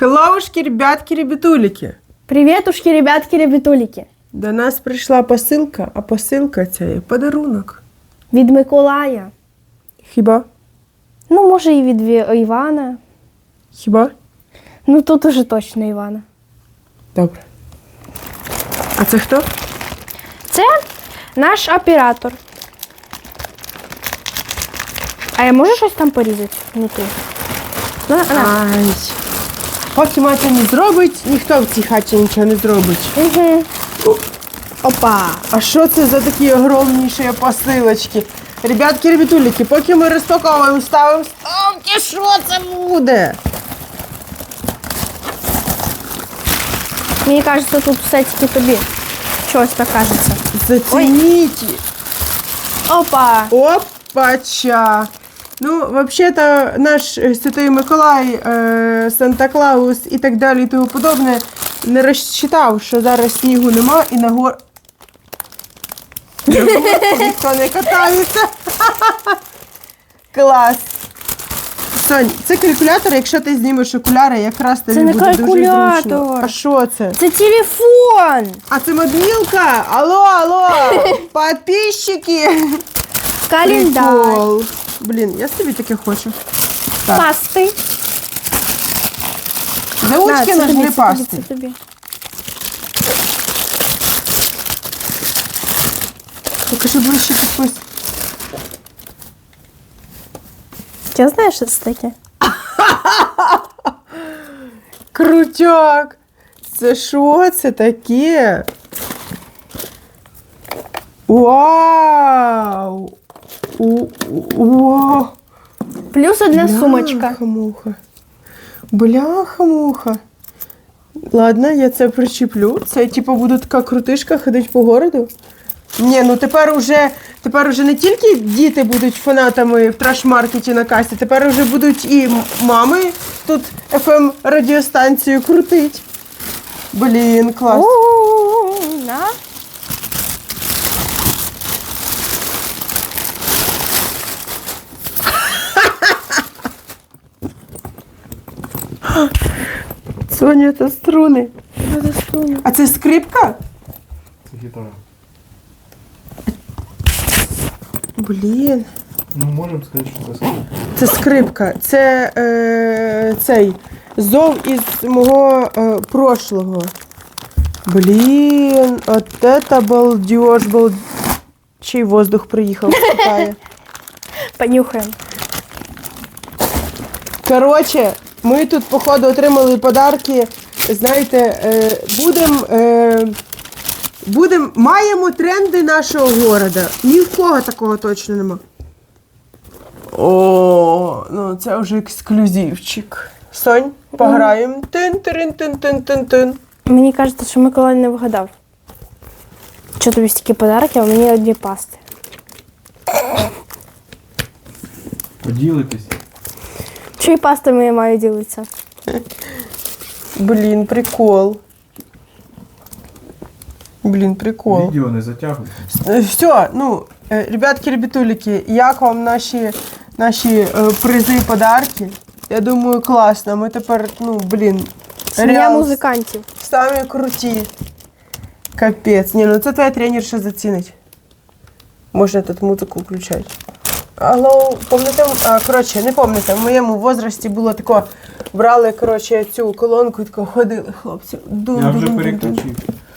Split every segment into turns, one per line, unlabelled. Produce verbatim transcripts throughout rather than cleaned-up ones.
Хеллоушки, ребятки, ребятулики.
Привітушки, ребятки, ребятулики.
До нас прийшла посилка, а посилка це є подарунок.
Від Миколая.
Хіба?
Ну, може, і від Ві- Івана.
Хіба?
Ну, тут уже точно Івана.
Добре. А це хто?
Це наш оператор. А я можу щось там порізати внутрі? Ну, на, на.
Ай. Поки мати не зробить, ніхто в цій хаті нічого не зробить.
Угу. Опа.
А що це за такі огромніші посилочки? Ребятки, ребятулики, поки ми розпаковуємо, ставимо ставки, що це буде?
Мені кажеться, тут все тільки тобі. Щось так кажеться.
Зацініть.
Опа.
Опача. Ну, взагалі-то наш е, Святий Миколай, е, Санта-Клаус і так далі і тому подобне не розчитав, що зараз снігу нема і на гор... Ніхто не катається. Клас. Сонь, це калькулятор, якщо ти знімеш окуляри, якраз тобі
Це не
буде дуже
калькулятор.
зручно. А що це?
Це телефон.
А це мобілка? Алло, алло, підписчики.
Календар.
Прикол. Блін, я собі таке хочу. Так.
Пасти.
Заучки
На, це
нажми
тобі, це
пасти.
тобі, це тобі.
Покажи ближче підпис.
Я знаю, що це таке.
Крутяк. Це що це таке? Вау! У- у-
Плюс одна сумочка.
Бляха-муха. Бляха-муха. Ладно, я це причеплю. Це типу буде така крутишка ходити по городу. Ні, ну тепер уже, тепер уже не тільки діти будуть фанатами в траш-маркеті на касі, тепер уже будуть і м- мами тут еф ем радіостанцію крутить. Блін, клас.
У-у-у, на.
Соня, це струни.
Надо струну.
А це скрипка?
Це гітара.
Блін.
Ну, можемо сказати, що це скрипка.
Це скрипка. Це е, цей зов із мого е, прошлого. Блін, от это балдеж, балдеж. Чий воздух приїхав з Китаю.
Понюхаємо.
Коротше, ми тут, походу, отримали подарки. Знаєте, е, будемо, е, будем, маємо тренди нашого города. Ні в кого такого точно нема. О, ну це вже ексклюзивчик. Сонь, пограємо. Тин-тин-тин-тин-тин-тин.
Мені кажеться, що Миколай не вгадав. Що тобі стільки подарків, а мені одні пасти.
Поділитись.
Чиї пастами я маю ділитися?
Блін, прикол. Блін, прикол.
Відео не затягуй.
Все, ну, е, ребятки, ребятулики, як вам наші, наші е, призи, подарки? Я думаю, класно. Ми тепер, ну, блін,
Сім'я
реал
музикантів.
самі круті. Капець. Ні, ну це твоя тренерша зацінить. Можна тут музику включати. Алло, пам'ятаєте, а, коротше, не пам'ятаєте, в моєму возрасті було тако, брали, коротше, цю колонку і тако ходили, хлопці. Дун,
Я
дун,
вже
дун, дун,
переключив.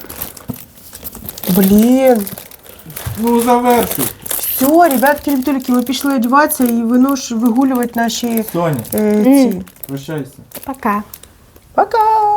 Блін.
Ну, завершуй.
Все, ребятки, ребятулики, ми пішли одягатися і винуш вигулювати наші
Соня,
е, ці.
прощайся.
Пока.
Пока!